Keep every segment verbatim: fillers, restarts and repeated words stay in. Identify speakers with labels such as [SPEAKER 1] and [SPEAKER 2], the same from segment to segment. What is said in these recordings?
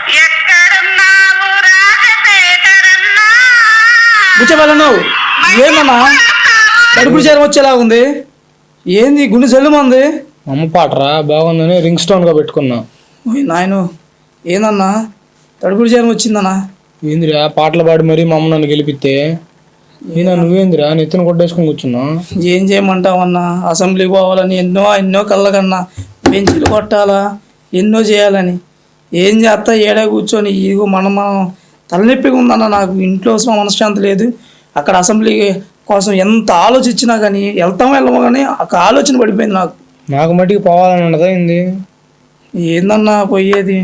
[SPEAKER 1] కూర్చోవాలను ఏందన్నా కడుపులు చేరం వచ్చేలా ఉంది. ఏంది గుండె సెల్లుమంది?
[SPEAKER 2] అమ్మ పాటరా బాగుందని రింగ్ స్టోన్ గా పెట్టుకున్నా.
[SPEAKER 1] నాయన ఏందన్నా తడుపుడు చేరం వచ్చిందన్నా?
[SPEAKER 2] ఏందిరా పాటలు పాడి మరీ మా అమ్మ నన్ను గెలిపితే ఈయన నువ్వేందిరా నెత్తిన కొట్టేసుకుని కూర్చున్నా.
[SPEAKER 1] ఏం చేయమంటావన్నా, అసెంబ్లీకి పోవాలని ఎన్నో ఎన్నో కళ్ళకన్నా, బెంచీలు కొట్టాలా ఎన్నో చేయాలని ఏం చేస్తా ఏడా కూర్చొని ఇదిగో మనం మనం తలనొప్పిగా ఉందన్న. నాకు ఇంట్లో మనశ్శాంతి లేదు. అక్కడ అసెంబ్లీ కోసం ఎంత ఆలోచించినా కానీ వెళ్తామో వెళ్ళమో కానీ ఒక ఆలోచన పడిపోయింది నాకు.
[SPEAKER 2] నాకు మట్టికి పోవాలని ఉండదా ఏంది?
[SPEAKER 1] ఏందన్నా పోయేది?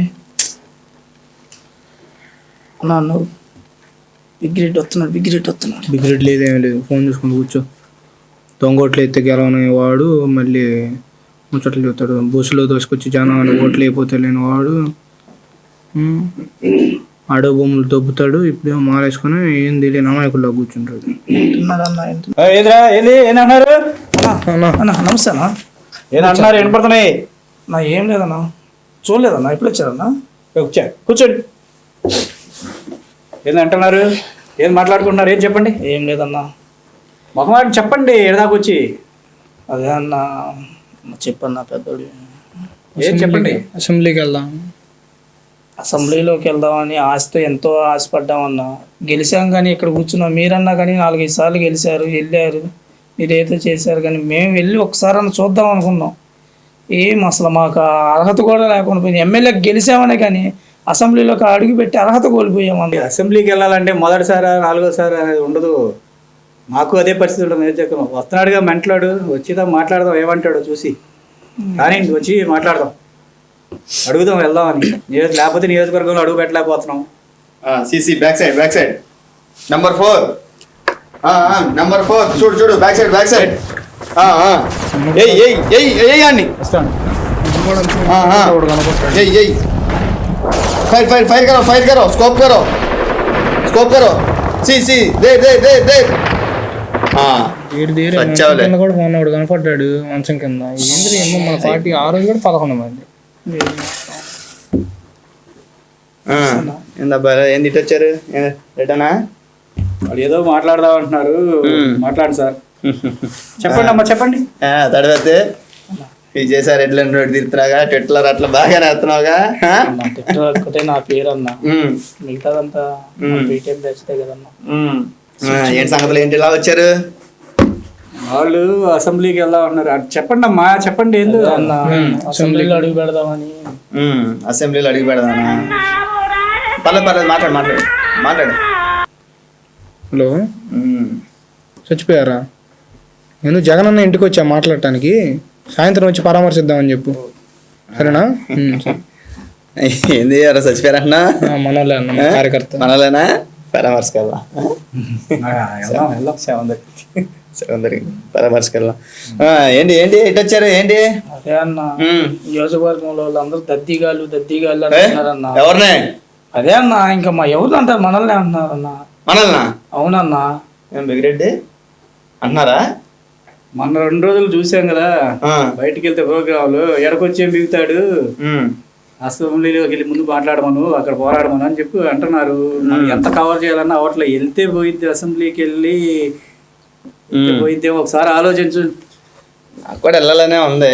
[SPEAKER 1] అన్నా నువ్వు బిగ్రెడ్ వస్తున్నాడు బిగ్రెడ్ వస్తున్నాడు
[SPEAKER 2] బిగ్రెడ్ లేదేమీ లేదు. ఫోన్ చూసుకుంటూ కూర్చో. దొంగోట్లు ఎత్తే గెలవని వాడు మళ్ళీ ముచ్చట్లు చెప్తాడు. బస్సులో దోసుకొచ్చి జనం అని ఓట్లు అయిపోతే లేని వాడు ఆడో భూములు దొబ్బుతాడు. ఇప్పుడేమో మారేసుకుని ఏం తెలియని అమాయకుల్లో కూర్చుంటాడు.
[SPEAKER 3] ఏమన్నారు?
[SPEAKER 1] నమస్తే అన్నా.
[SPEAKER 3] ఏమన్నారు? ఏం పడుతున్నాయి?
[SPEAKER 1] నా ఏం లేదన్నా, చూడలేదన్నా. ఎప్పుడు వచ్చారన్నా?
[SPEAKER 3] వచ్చా కూర్చోండి. ఏందంటున్నారు? ఏం మాట్లాడుకుంటున్నారు? ఏం చెప్పండి.
[SPEAKER 1] ఏం లేదన్నా.
[SPEAKER 3] మొహమాట చెప్పండి. ఎడదాకొచ్చి
[SPEAKER 1] అదే అన్నా చెప్పన్నా పెద్దోడు.
[SPEAKER 3] ఏం చెప్పండి.
[SPEAKER 2] అసెంబ్లీకి వెళ్దాం.
[SPEAKER 1] అసెంబ్లీలోకి వెళ్దామని ఆశతో ఎంతో ఆశపడ్డామన్నా. గెలిచాం కానీ ఇక్కడ కూర్చున్నాం. మీరన్నా కానీ నాలుగైదు సార్లు గెలిచారు, వెళ్ళారు, మీరేదో చేశారు. కానీ మేము వెళ్ళి ఒకసారి అన్న చూద్దాం అనుకున్నాం. ఏం అసలు మాకు అర్హత కూడా లేకుండా పోయింది. ఎమ్మెల్యేకి గెలిచామనే కానీ అసెంబ్లీలోకి అడుగు పెట్టి అర్హత కోల్పోయామన్నా.
[SPEAKER 3] అసెంబ్లీకి వెళ్ళాలంటే మొదటిసారి నాలుగోసారి అనేది ఉండదు. మాకు అదే పరిస్థితి ఉంటుంది. ఏం చెప్పాము, వస్తున్నాడుగా మెంట్లాడు, వచ్చిదా మాట్లాడదాం, ఏమంటాడో చూసి కానీ వచ్చి మాట్లాడదాం, అడుగుదాం, వెళ్దామని. లేకపోతే నియోజకవర్గంలో అడుగు పెట్టలేకపోతున్నాం.
[SPEAKER 4] CC back side back side number four number four చూడు చూడు back side back side fire fire fire करो फायर करो स्कोप करो स्कोप करो सी सी दे दे दे दे
[SPEAKER 2] కూడా మొన్నోడు కనపడ్డాడు మంచం కింద. ఏంద్రీ ఏమో మన పార్టీ ఆ రోజు కూడా పదకొండు మంది.
[SPEAKER 4] ఏందబ్బా ఏంది ఇటు వచ్చారు? రిటర్నా?
[SPEAKER 3] వాళ్ళు ఏదో మాట్లాడదాం అంటున్నారు. మాట్లాడు సార్. చెప్పండి అమ్మా చెప్పండి.
[SPEAKER 4] తడవతే ఇది చేశారు. ఎట్లా తిరుగుతున్నావుగా ట్విట్టర్ అట్లా బాగానే వస్తున్నావుగా.
[SPEAKER 1] ఒక్కటే నా పేరు అన్నా, మిగతాదంతా బీటెక్ బ్యాచ్తే కదన్నా.
[SPEAKER 4] ఏంటి సంగతులు ఏంటి ఇలా వచ్చారు?
[SPEAKER 3] వాళ్ళు అసెంబ్లీకి వెళ్దాం అన్నారు. చెప్పండి అమ్మా చెప్పండి. ఏందో
[SPEAKER 1] అన్నా అసెంబ్లీలో అడుగు పెడదామని.
[SPEAKER 4] అసెంబ్లీలో అడుగు పెడదామా? పర్లేదు పర్లేదు మాట్లాడు మాట్లాడు మాట్లాడు.
[SPEAKER 2] హలో, చచ్చిపోయారా? నేను జగన్ అన్న ఇంటికి వచ్చా మాట్లాడటానికి. సాయంత్రం వచ్చి పరామర్శిద్దామని చెప్పు, సరేనా?
[SPEAKER 4] ఏంది ఎవరో చచ్చిపోయారన్నా?
[SPEAKER 2] మనోళ్ళే అన్న, కార్యకర్త.
[SPEAKER 4] మనోళ్ళేనా? పరామర్శకెళ్దాం పరామర్శకెళ్దాం. ఏంటి ఏంటి ఎటు వచ్చారు ఏంటి?
[SPEAKER 1] అదే అన్న నియోజకవర్గంలో వాళ్ళందరూ దద్దీగాళ్ళు దద్దీగాళ్ళు అంటున్నారన్నా.
[SPEAKER 4] ఎవరినే?
[SPEAKER 1] అదే అన్న ఇంకా మా ఎవరు అంటారు, మనల్నే అంటున్నారన్నా.
[SPEAKER 4] మనల్నా?
[SPEAKER 1] అవునన్నా.
[SPEAKER 4] బిగిరెడ్డి అంటున్నారా?
[SPEAKER 3] మొన్న రెండు రోజులు చూసాం కదా బయటికి వెళ్తే ప్రోగ్రాంలు, ఎడకొచ్చేం బిగుతాడు, అసెంబ్లీలోకి వెళ్ళి ముందు మాట్లాడమను, అక్కడ పోరాడమను అని చెప్పి అంటున్నారు. ఎంత కవర్ చేయాలన్నా అవట్లో వెళ్తే పోయిద్ది, అసెంబ్లీకి వెళ్ళి పోయిద్దే ఒకసారి ఆలోచించు.
[SPEAKER 4] నాకు కూడా వెళ్ళాలనే ఉంది.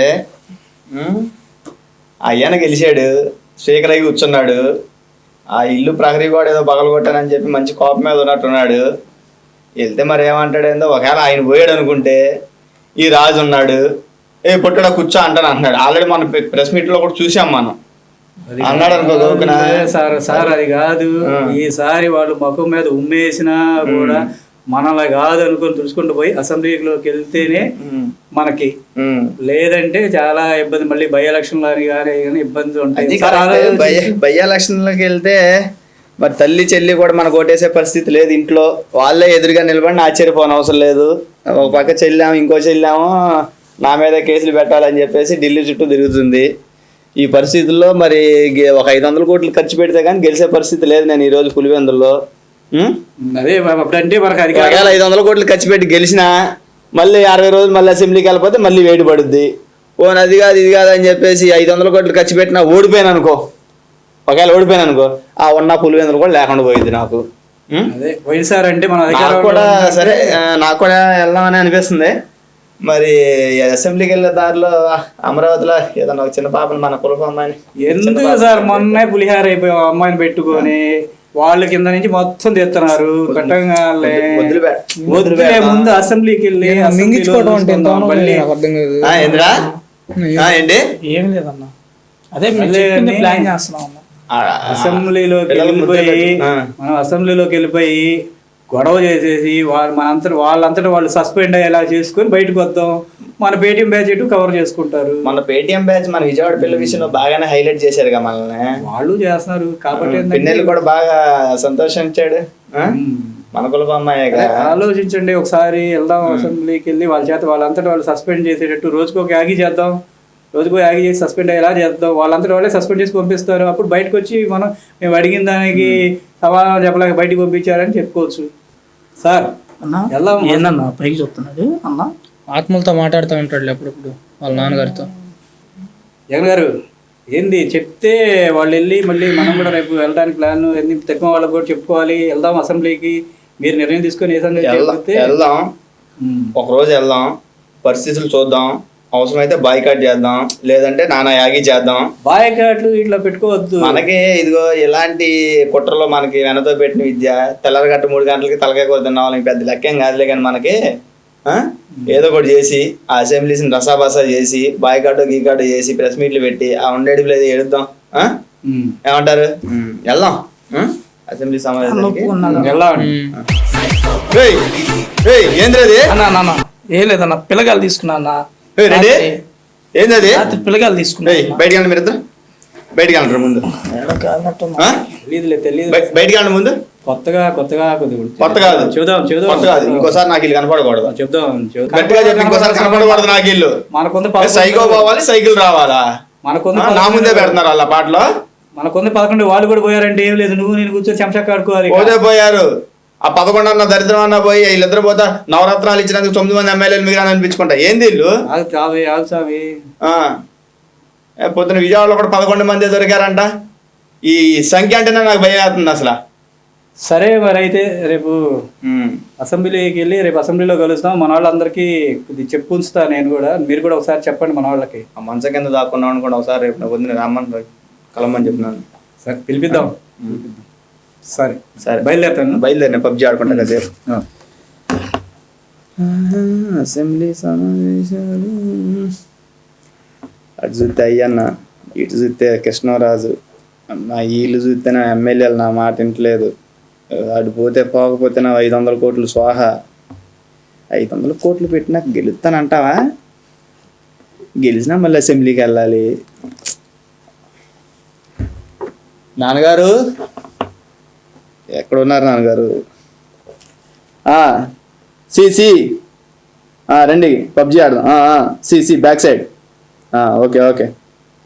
[SPEAKER 4] అయ్యాన గెలిచాడు, స్పీకర్ అయ్యి కూర్చున్నాడు. ఆ ఇల్లు ప్రహరీ కూడా ఏదో పగలగొట్టానని చెప్పి మంచి కోపం మీద ఉన్నట్టున్నాడు. వెళ్తే మరి ఏమంటాడు ఏందో. ఒకవేళ ఆయన పోయాడు అనుకుంటే ఈ రాజు ఉన్నాడు, ఏ పుట్టడా కూర్చో అంటాను అంటున్నాడు. ఆల్రెడీ మన ప్రెస్ మీట్ లో కూడా చూసాం మనం. అన్నాడు అనుకో
[SPEAKER 3] సార్ సార్ అది కాదు, ఈసారి వాళ్ళు ముఖం మీద ఉమ్మేసినా కూడా మనలా కాదు అనుకుని తుడుచుకుంటూ పోయి అసెంబ్లీలోకి వెళ్తేనే మనకి, లేదంటే చాలా ఇబ్బంది. మళ్ళీ బై ఎలక్షన్ కానీ కానీ ఇబ్బందులు ఉంటాయి.
[SPEAKER 4] బై ఎలక్షన్లోకి వెళ్తే మరి తల్లి చెల్లి కూడా మనకు ఓటేసే పరిస్థితి లేదు. ఇంట్లో వాళ్ళే ఎదురుగా నిలబడి ఆశ్చర్యపోని అవసరం లేదు. ఒక పక్క చెల్లాము, ఇంకో చెల్లాము నా మీద కేసులు పెట్టాలని చెప్పేసి ఢిల్లీ చుట్టూ తిరుగుతుంది. ఈ పరిస్థితుల్లో మరి ఒక ఐదు వందల కోట్లు ఖర్చు పెడితే కానీ గెలిచే పరిస్థితి లేదు. నేను ఈ రోజు పులివెందుల్లో
[SPEAKER 3] అదే అంటే మనకు
[SPEAKER 4] ఒకవేళ ఐదు వందల కోట్లు ఖర్చు పెట్టి గెలిచినా మళ్ళీ అరవై రోజులు మళ్ళీ అసెంబ్లీకి వెళ్ళిపోతే మళ్ళీ వేడి పడుద్ది. ఓ అది కాదు ఇది కాదు అని చెప్పేసి ఐదు వందల కోట్లు ఖర్చు పెట్టినా ఓడిపోయాను అనుకో, ఒకవేళ ఓడిపోయాను అనుకో ఆ ఉన్న పులివెందులు కూడా లేకుండా పోయింది నాకు. ఉం?
[SPEAKER 3] అదే పోయినసారి అంటే మన
[SPEAKER 4] నాకు
[SPEAKER 3] అధికారంలో
[SPEAKER 4] కూడా
[SPEAKER 3] ఉన్నప్పుడు
[SPEAKER 4] సరే ఆ, నాకు కూడా వెళ్దామని అనిపిస్తుంది. మరి అసెంబ్లీకి వెళ్ళే దారిలో అమరావతిలో ఏదన్నా ఒక చిన్న పాపని మన కులపు అమ్మాయిని
[SPEAKER 3] ఎందుకు సార్ మొన్నే పులిహార అయిపోయి ఆ అమ్మాయిని పెట్టుకొని వాళ్ళ కింద నుంచి మొత్తం తెస్తున్నారు కట్టంగానే
[SPEAKER 4] వదిలి పె- వదిలి
[SPEAKER 3] వదిలే
[SPEAKER 4] పెడతాం.
[SPEAKER 3] ముందు అసెంబ్లీకి వెళ్ళి అసెంబ్లీలో
[SPEAKER 2] మింగించుకోవడం అంటే ఎంత
[SPEAKER 3] చూసుకుందాం. మళ్ళీ
[SPEAKER 2] నాకు అర్థం కాదు.
[SPEAKER 4] ఆ, ఏందిరా ఆ, ఏంటి
[SPEAKER 1] ఏం లేదన్న, అదే మీరు
[SPEAKER 3] మళ్ళీ
[SPEAKER 1] చెప్పింది
[SPEAKER 3] అన్నీ-
[SPEAKER 1] ప్లాన్ చేస్తున్నాం అన్న.
[SPEAKER 4] ఆ,
[SPEAKER 3] అసెంబ్లీలోకి
[SPEAKER 4] పిల్లలు ముద్ద
[SPEAKER 3] వెళ్ళిపోయి
[SPEAKER 4] పెట్టు. ఆ.
[SPEAKER 3] మనం అసెంబ్లీలోకి వెళ్ళిపోయి గొడవ చేసేసి వాళ్ళు మనంతట వాళ్ళంతటా వాళ్ళు సస్పెండ్ అయ్యేలా చేసుకొని బయటకు వద్దాం. మన పేటీఎం బ్యాచ్ ఇటు కవర్ చేసుకుంటారు.
[SPEAKER 4] మన పేటిఎం బ్యాచ్ మన విజయవాడ పిల్లల విషయంలో బాగానే హైలైట్ చేశారుగా మనల్ని.
[SPEAKER 3] వాళ్ళు చేస్తున్నారు కాబట్టి ఏంటంటే-
[SPEAKER 4] పిన్నెల్లి కూడా బాగా సంతోషించాడు. ఆ?
[SPEAKER 3] ఉమ్.
[SPEAKER 4] మన కులపు అమ్మాయిగా.
[SPEAKER 3] అదే ఆలోచించండి ఒకసారి వెళ్దాం అసెంబ్లీకి వెళ్ళి వాళ్ళ చేత వాళ్ళంతటా వాళ్ళు సస్పెండ్ చేసేటట్టు రోజుకు ఒక యాగి చేద్దాం. రోజుకు యాగి చేసి సస్పెండ్ అయ్యేలా చేద్దాం. వాళ్ళంతటా వాళ్ళే సస్పెండ్ చేసి పంపిస్తారు. అప్పుడు బయటకు వచ్చి మనం మేము అడిగిన దానికి సమాధానం చెప్పలేక బయటకు పంపించారని చెప్పుకోవచ్చు. సార్
[SPEAKER 1] అన్న
[SPEAKER 3] వెళ్దాం.
[SPEAKER 1] ఏందన్నా పైకి చెప్తున్నది అన్న?
[SPEAKER 2] ఆత్మలతో మాట్లాడుతూ ఉంటాడు అప్పుడప్పుడు వాళ్ళ నాన్నగారితో.
[SPEAKER 3] జగన్ గారు ఏంది చెప్తే వాళ్ళు వెళ్ళి మళ్ళీ మనం కూడా రేపు వెళ్ళడానికి ప్లాన్ ఎన్ని తక్కువ వాళ్ళకి కూడా చెప్పుకోవాలి. వెళ్దాం అసెంబ్లీకి, మీరు నిర్ణయం తీసుకొని ఏ సంగతి
[SPEAKER 4] వెళ్దాం
[SPEAKER 3] చెప్తే
[SPEAKER 4] వెళ్దాం ఒక రోజు వెళ్దాం, పరిస్థితులు చూద్దాం, అవసరమైతే బాయ్కాట్ చేద్దాం, లేదంటే నానా యాగి చేద్దాం.
[SPEAKER 3] బాయ్కాట్లు ఇట్లా పెట్టుకోవద్దు.
[SPEAKER 4] మనకి ఇదిగో ఇలాంటి కుట్రలో మనకి వెనతో పెట్టిన విద్య తెల్లరగట్ట మూడు గంటలకి తలకాయ కూర తిన్న వాళ్ళకి పెద్ద లెక్కేం కాదులే. కానీ మనకి ఆ, ఏదో ఒకటి చేసి ఆ అసెంబ్లీస్ని రసాబసా చేసి బాయ్కాటో గీకాటో చేసి ప్రెస్ మీట్లు పెట్టి ఆ ఉండేది లేదు ఎడుద్దాం. ఆ?
[SPEAKER 3] ఉమ్.
[SPEAKER 4] ఏమంటారు? వెళ్దాం ఆ? అసెంబ్లీ సమావేశానికి.
[SPEAKER 3] వెళ్దాం.
[SPEAKER 4] ఏయ్, ఏయ్, ఏంద్రది?
[SPEAKER 1] అన్న అన్న, అన్న ఏం లేదన్న, పిల్లగాలు తీసుకున్నా అన్న.
[SPEAKER 4] ఏయ్, రెడీ? ఏందది?
[SPEAKER 1] రాత్రి పిల్లగాలు తీసుకున్నా
[SPEAKER 4] ఏయ్, బయటికి వెళ్ళండి మీరు ఇద్దరు. బయటికి వెళ్ళండి ముందు. ఆ?
[SPEAKER 3] తెలీదులే తెలియదు.
[SPEAKER 4] బయ- బయటికి వెళ్ళండి ముందు.
[SPEAKER 3] కొత్తగా కొత్తగా కొద్దిగా
[SPEAKER 4] కొత్త కాదు.
[SPEAKER 3] చూద్దాం చూద్దాం
[SPEAKER 4] కొత్త కాదు. ఇంకోసారి నాకు ఇల్లు కనపడకూడదు.
[SPEAKER 3] చెప్దాం చెప్దాం.
[SPEAKER 4] గట్టిగా చెప్పి ఇంకోసారి కనపడకూడదు నాకు ఇల్లు.
[SPEAKER 3] మనకొంది
[SPEAKER 4] ఏ, సైకో పోవాలి, సైకిల్ రావాలా?
[SPEAKER 3] మనకొంది
[SPEAKER 4] ఆ, నా ముందే పెడుతున్నారు వాళ్ళ పాటలో.
[SPEAKER 3] మనకొంది పదకొండు వాళ్ళు కూడా పోయారంటే ఏం లేదు, నువ్వు నేను కూర్చొని చెంచా కాడుకోవాలి.
[SPEAKER 4] పోతే పోయారు. ఆ పదకొండు అన్న దరిద్రం అన్న పోయి వీళ్ళిద్దరు పోతా నవరత్నాలు ఇచ్చినందుకు తొమ్మిది మంది ఎమ్మెల్యేలు మిగిలిన అనిపించుకుంటా. ఏంది ఇల్లు?
[SPEAKER 3] ఆగు చావి ఆగు చావి.
[SPEAKER 4] ఆ. ఏ, పొద్దున విజయవాడలో కూడా పదకొండు మంది దొరికారంట. ఈ సంఖ్య అంటేనే నాకు భయం అవుతుంది అసలు.
[SPEAKER 3] సరే మరి అయితే రేపు
[SPEAKER 4] ఉమ్.
[SPEAKER 3] అసెంబ్లీకి వెళ్ళి రేపు అసెంబ్లీలో కలుస్తాం. మన వాళ్ళందరికీ ఇది చెప్పు ఉంచుతా నేను కూడా, మీరు కూడా ఒకసారి చెప్పండి మన వాళ్ళకి.
[SPEAKER 4] ఆ మంచం కింద దాక్కున్నాం అనుకోండి ఒకసారి రేపు నాకు వద్దు రమ్మని కలమని చెప్పినాను.
[SPEAKER 3] సరే పిలిపిద్దాం. సరే
[SPEAKER 4] సరే
[SPEAKER 3] బయలుదేరుతాను.
[SPEAKER 4] బయలుదేరిన పబ్జి ఆడుకుంటా కాసేపు.
[SPEAKER 3] ఆ.
[SPEAKER 4] అసెంబ్లీ సమావేశాలు. అటు చూస్తే అయ్యన్న, ఇటు చూస్తే కృష్ణరాజు. నా వీళ్ళు చూస్తే నా ఎమ్మెల్యేలు నా మాట వింటలేదు. అటు పోతే పోకపోతే నా ఐదు వందల కోట్లు స్వాహ. ఐదు వందల కోట్లు పెట్టినా గెలుస్తానంటావా? గెలిచినా మళ్ళీ అసెంబ్లీకి వెళ్ళాలి. నాన్నగారు ఎక్కడ ఉన్నారు నాన్నగారు? సి సి రండి పబ్జి ఆడదాం. C C back side. Okay okay